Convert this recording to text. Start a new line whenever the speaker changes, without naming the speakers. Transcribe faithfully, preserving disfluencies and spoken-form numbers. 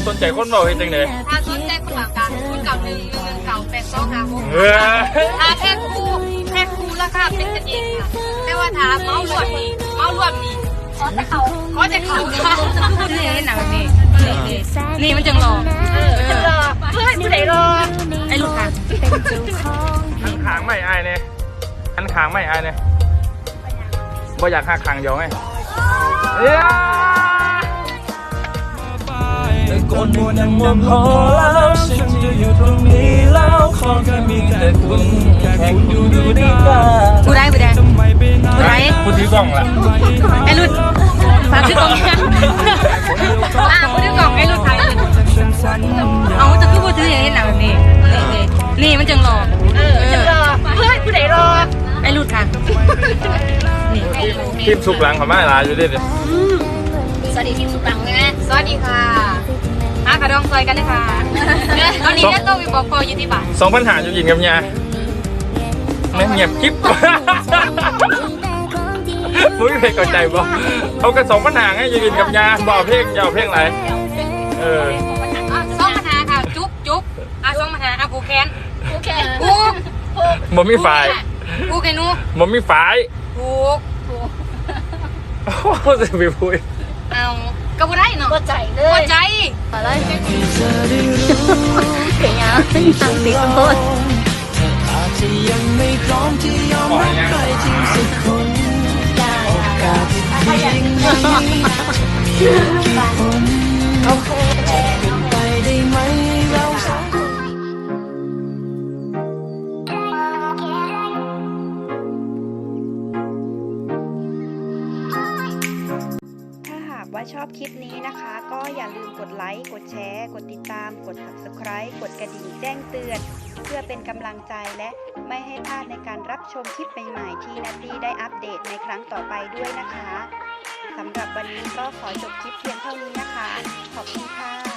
สนใจคนเบาเห็นจังเลย
ถ้าสนใจคนหลังการคุณเก่าหนึ่งหนึ่งเก่าแปดสองหาหก
เออ
ถ้าแพ็คคู่แพ็คคู่ราคาเป็นกันเองค่ะแต่ว่าถ้าเมาส์รวมนี่เมาส์รวมนี่ขอจะเขาขอจะเขาค่ะนี่หนังนี่นี่มันจังหลอกเออรอเพื่อนผู้ใดรอไอ้ลูกค่ะ
อันขางไม่อายเนี่ยอันขางไม่อายเนี่ยบ่อยากหักขางเดียวไงเอ้ยแต่ก่อนมัวนั่งมองพอแล้วฉันจะอยู่ตรงนี้แล้วขอแค่มีแต่คุณแค่คุณอยู่ดูดีกว่า
ผู้ใดผู้ใดผู้ใด
ผู้ถือกล้องล่ะ
ไอ้รุ่นฝากถือกล่องอ่ะผู้ถือกล่องไอ้รุ่นถ่ายเอาจะคือผู้ถืออย่างนี้หนังแบบนี้นี่มันจังหลอกเออจังหลอกเพื่อนผู้ใดรอไอ้รุ่นค่ะนี่
ทีมสุกหลังเขาไม่ลาอยู่ดิ
สวัสดีทีมสุปังนะสวัสดีค่ะหากระดองซอยกันนะคะตอนนี้เนี่ยต้องมีบอกพออยู่ที่บ้าน
สองปัญหาอยู่ยินกับยาไม่เงียบกิ๊บมุ้ยเพลงก่อนใจบ่เอากันสองปัญหาไงอยู่ยินกับยาบอกเพลงยาวเพลงอะไรเออ
สองปัญหาค่ะจุ๊บจุ๊บอ่ะสองปัญหาอ่ะผูกแขนผูกแขนผูก
บ่มีฝ่าย
ผูกไอ้หนู
บ่มีฝ่าย
ผูกผูก
โอ้โหจะไปพูด
เอาก็บ่ได้เนาะบ่ใจเลยบ่ใจอะไรเก่งยังทางติดโทษ
อาจจะยังไม่พร้อมที่ยอมรับใครจริงสักคนโอกาสที่เพียงนี้มีกี่คนจะเป็นไปได้ไหมเราสองคน
ถ้าหากว่าชอบคลิปนี้นะคะ ก็อย่าลืมกดไลค์ กดแชร์ กดติดตาม กด ซับสไครบ์ กดกระดิ่งแจ้งเตือน เพื่อเป็นกำลังใจและไม่ให้พลาดในการรับชมคลิปใหม่ๆที่นัตตี้ได้อัปเดตในครั้งต่อไปด้วยนะคะ สำหรับวันนี้ก็ขอจบคลิปเพียงเท่านี้นะคะ ขอบคุณค่ะ